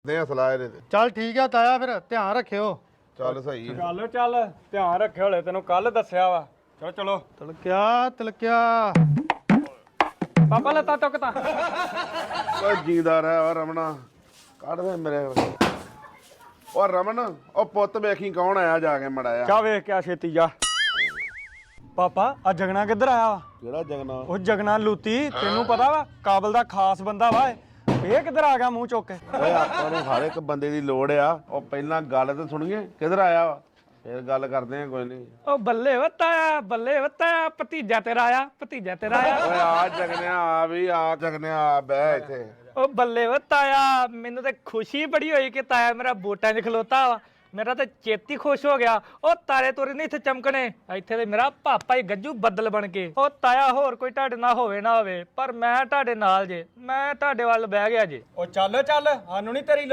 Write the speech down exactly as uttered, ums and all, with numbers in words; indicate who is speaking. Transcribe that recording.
Speaker 1: ਦੇ ਸਲਾਹ ਇਹਦੇ ਤੇ
Speaker 2: ਚੱਲ ਠੀਕ ਆ ਤਾਇਆ ਫਿਰ ਧਿਆਨ ਰੱਖਿਓ
Speaker 1: ਚੱਲ ਸਹੀ ਆ।
Speaker 3: ਚੱਲ ਚੱਲ ਧਿਆਨ ਰੱਖਿਓ ਹਲੇ ਤੈਨੂੰ ਕੱਲ ਦੱਸਿਆ ਵਾ ਚਲੋ ਚਲੋ
Speaker 2: ਤਲਕਿਆ ਤਲਕਿਆ
Speaker 3: ਪਾਪਾ ਲੱਤਾਂ ਟੁੱਕ ਤਾਂ
Speaker 1: ਓਏ ਜੀਂਦਾਰ ਹੈ ਓ ਰਮਣਾ ਕੱਢ ਦੇ ਮੇਰੇ ਓ ਰਮਨ ਓ ਪੁੱਤ ਵੇਖੀ ਕੌਣ ਆਇਆ ਜਾ ਕੇ ਮੜਾਇਆ
Speaker 3: ਚਾ ਵੇਖ ਕੇ ਆ ਛੇਤੀ ਜਾ ਪਾਪਾ ਆ ਜਗਣਾ ਕਿੱਧਰ ਆਇਆ ਵਾ
Speaker 1: ਕਿਹੜਾ ਜਗਨਾ
Speaker 3: ਉਹ ਜਗਣਾ ਲੂਤੀ ਤੈਨੂੰ ਪਤਾ ਵਾ ਕਾਬਲ ਦਾ ਖਾਸ ਬੰਦਾ ਵਾ ਇਹ ਇਹ ਕਿੱਧਰ ਆ ਗਿਆ ਮੂੰਹ ਚੁੱਕ ਕੇ
Speaker 1: ਓਏ ਆਪਾਂ ਨੂੰ ਹਰ ਇੱਕ ਬੰਦੇ ਦੀ ਲੋੜ ਆ ਉਹ ਪਹਿਲਾਂ ਗੱਲ ਤੇ ਸੁਣੀਏ ਕਿੱਧਰ ਆਇਆ ਵਾ ਫਿਰ ਗੱਲ ਕਰਦੇ ਆ ਕੋਈ ਨਹੀਂ
Speaker 4: ਉਹ ਬੱਲੇ ਵਤਾਇਆ ਬੱਲੇ ਵਤਾਇਆ ਭਤੀਜਾ ਤੇਰਾ ਆਇਆ ਭਤੀਜਾ ਤੇਰਾ ਆਇਆ
Speaker 1: ਓਏ ਆ ਜਗਨਿਆ ਆ ਵੀ ਆ ਜਗਨਿਆ ਆ ਬਹਿ ਇੱਥੇ
Speaker 4: ਉਹ ਬੱਲੇ ਵਤਾਇਆ ਮੈਨੂੰ ਤੇ ਖੁਸ਼ੀ ਬੜੀ ਹੋਈ ਕਿ ਤਾਇਆ ਮੇਰਾ ਬੋਟਾਂ 'ਚ ਖਲੋਤਾ ਵਾ ਮੇਰਾ ਤਾਂ ਚੇਤੀ ਖੁਸ਼ ਹੋ ਗਿਆ ਉਹ ਤਾਰੇ ਤੋਰੇ ਨਹੀਂ ਇੱਥੇ ਚਮਕਣੇ ਇੱਥੇ ਤੇ ਮੇਰਾ ਪਾਪਾ ਹੀ ਗੱਜੂ ਬੱਦਲ ਬਣ ਕੇ ਉਹ ਤਾਇਆ ਹੋਰ ਕੋਈ ਤੁਹਾਡੇ ਨਾਲ ਹੋਵੇ ਨਾ ਹੋਵੇ ਪਰ ਮੈਂ ਤੁਹਾਡੇ ਨਾਲ ਜੇ ਮੈਂ ਤੁਹਾਡੇ ਵੱਲ ਬਹਿ ਗਿਆ ਜੇ
Speaker 3: ਉਹ ਚੱਲ ਚੱਲ ਸਾਨੂੰ ਨਹੀਂ ਤੇਰੀ